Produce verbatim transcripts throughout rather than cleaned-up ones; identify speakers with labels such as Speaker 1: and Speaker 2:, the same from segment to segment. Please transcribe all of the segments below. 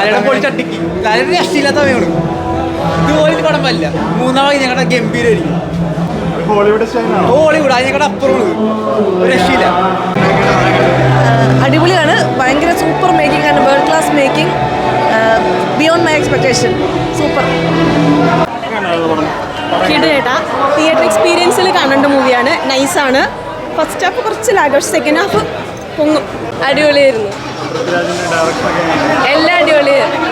Speaker 1: ലാലേട്ടൻ പോയി ചട്ടിക്ക്. ലാലേട്ടൻ രക്ഷയില്ലാത്ത സമയമാണ്. ഇതുപോലെ പടം പറ്റില്ല. മൂന്നാമത് ഞങ്ങളുടെ ഗംഭീരമായിരിക്കും.
Speaker 2: ഹോളിവുഡ് സ്റ്റൈലാണ്.
Speaker 1: ഹോളിവുഡ് അതിനേക്കാൾ അപ്പുറമാണ്. ഒരു രക്ഷയില്ല.
Speaker 3: അടിപൊളിയാണ്. ഭയങ്കര സൂപ്പർ മേക്കിംഗ് ആണ്. World class making. Beyond my expectation. Super.
Speaker 4: കിടേട്ടാ തിയേറ്റർ എക്സ്പീരിയൻസിൽ കാണേണ്ട മൂവിയാണ്. നൈസാണ്. ഫസ്റ്റ് ഹാഫ് കുറച്ച് ലാഗ്, സെക്കൻഡ് ഹാഫ് പൊങ്ങും. അടിപൊളിയായിരുന്നു. എല്ലാം അടിപൊളിയായിരുന്നു.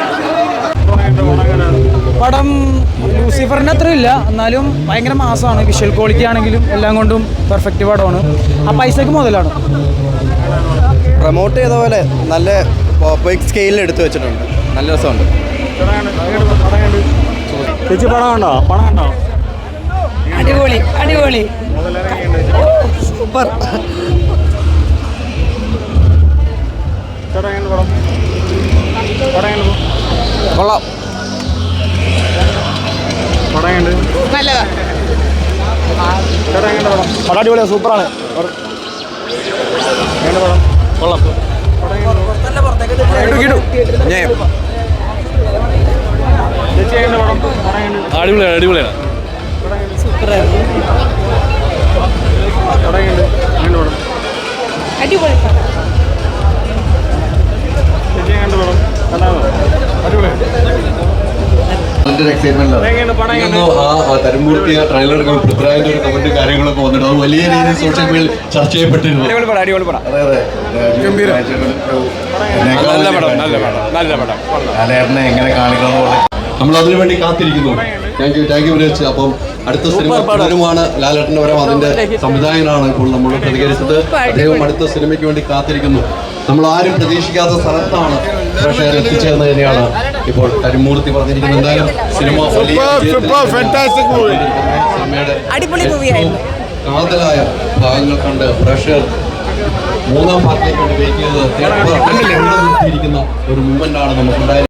Speaker 5: പടം ലൂസിഫറിൻ്റെ അത്ര ഇല്ല, എന്നാലും ഭയങ്കര മാസമാണ്. വിഷ്വൽ ക്വാളിറ്റി ആണെങ്കിലും എല്ലാം കൊണ്ടും പെർഫെക്റ്റ് പടമാണ്. ആ പൈസക്ക് മുതലാണ്.
Speaker 6: പ്രൊമോട്ട് ചെയ്ത പോലെ നല്ല ബിഗ് സ്കെയിലിൽ എടുത്തു വെച്ചിട്ടുണ്ട്. നല്ല രസമുണ്ട്.
Speaker 2: ചേച്ചി പണം കണ്ടോ? പണം കണ്ടോ?
Speaker 3: അടിപൊളി അടിപൊളി സൂപ്പർ.
Speaker 6: കൊള്ളാം.
Speaker 4: നല്ലതാ.
Speaker 2: പടം അടിപൊളിയാണ്. സൂപ്പറാണ്.
Speaker 6: കൊള്ളാം.
Speaker 7: അടിപൊളിയാണ് അടിപൊളിയാണ്
Speaker 4: അടിപൊളി.
Speaker 7: തരുമൂർത്തി ട്രെയിലറുകൾ പൃഥ്വിരാജിന്റെ ഒരു കമന്റ് കാര്യങ്ങളൊക്കെ വന്നിട്ട് അത് വലിയ രീതിയിൽ സോഷ്യൽ മീഡിയയിൽ ചർച്ച ചെയ്യപ്പെട്ടിരുന്നു.
Speaker 6: എങ്ങനെ കാണിക്കണം
Speaker 7: നമ്മൾ അതിനു വേണ്ടി കാത്തിരിക്കുന്നു. Thank you thank you Vinod. അപ്പം അടുത്ത സിനിമ പലരുമാണ്. ലാലേട്ടൻ്റെ വരം അതിന്റെ സംവിധായകനാണ് ഇപ്പോൾ നമ്മൾ പ്രതികരിച്ചത്. അദ്ദേഹം അടുത്ത സിനിമയ്ക്ക് വേണ്ടി കാത്തിരിക്കുന്നു. നമ്മൾ ആരും പ്രതീക്ഷിക്കാത്ത സ്ഥലത്താണ് പ്രേക്ഷകർ എത്തിച്ചേർന്ന് തന്നെയാണ് ഇപ്പോൾ കരിമൂർത്തി പറഞ്ഞിരിക്കുന്നത്. എന്തായാലും സിനിമ സിനിമയുടെ കാതലായ ഭാഗങ്ങൾ കണ്ട് പ്രേക്ഷകർ മൂന്നാം പാർട്ടിലേക്ക് വേണ്ടി വെയിറ്റ് ചെയ്ത് ഒരു മൂവ്മെന്റ് ആണ് നമുക്കുണ്ടായത്.